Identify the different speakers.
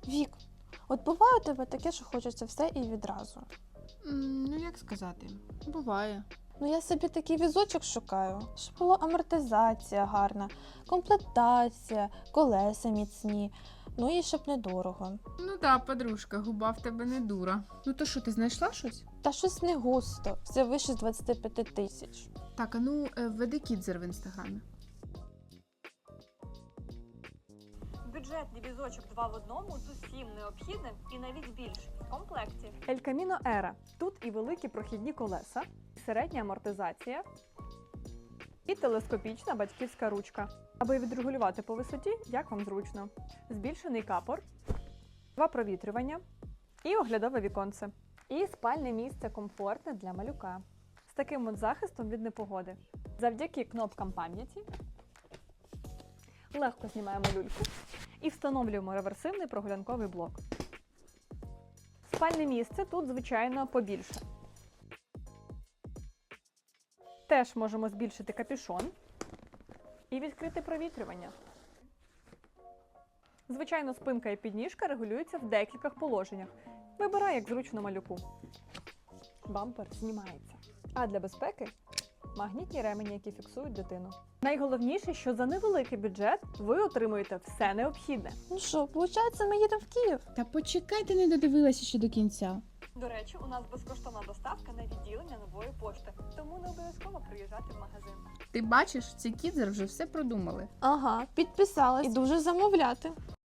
Speaker 1: Вік, от буває у тебе таке, що хочеться все і відразу.
Speaker 2: Ну, як сказати, буває.
Speaker 1: Ну я собі такий візочок шукаю, щоб була амортизація гарна, комплектація, колеса міцні, ну і щоб недорого.
Speaker 2: Ну так, подружка, губа в тебе не дура. Ну то що, ти знайшла щось?
Speaker 1: Та щось не густо, все вище з 25 тисяч.
Speaker 2: Так, а ну введи Кідзер в інстаграмі.
Speaker 3: Бюджетний візочок 2 в одному з усім необхідним і навіть більше в комплекті.
Speaker 4: El Camino Era. Тут і великі прохідні колеса, і середня амортизація, і телескопічна батьківська ручка. Аби відрегулювати по висоті, як вам зручно. Збільшений капор, 2 провітрювання і оглядове віконце. І спальне місце комфортне для малюка. З таким от захистом від непогоди. Завдяки кнопкам пам'яті легко знімаємо люльку і встановлюємо реверсивний прогулянковий блок. Спальне місце тут, звичайно, побільше. Теж можемо збільшити капюшон і відкрити провітрювання. Звичайно, спинка і підніжка регулюються в декількох положеннях. Вибирай, як зручно малюку. Бампер знімається. А для безпеки – магнітні ремені, які фіксують дитину. Найголовніше, що за невеликий бюджет ви отримуєте все необхідне.
Speaker 1: Ну що, виходить, ми їдемо в Київ?
Speaker 2: Та почекай, ти не додивилася ще до кінця.
Speaker 3: До речі, у нас безкоштовна доставка на відділення Нової пошти, тому не обов'язково приїжджати в магазин.
Speaker 2: Ти бачиш, ці Кідзер вже все продумали.
Speaker 1: Ага, підписалась. І дуже замовляти.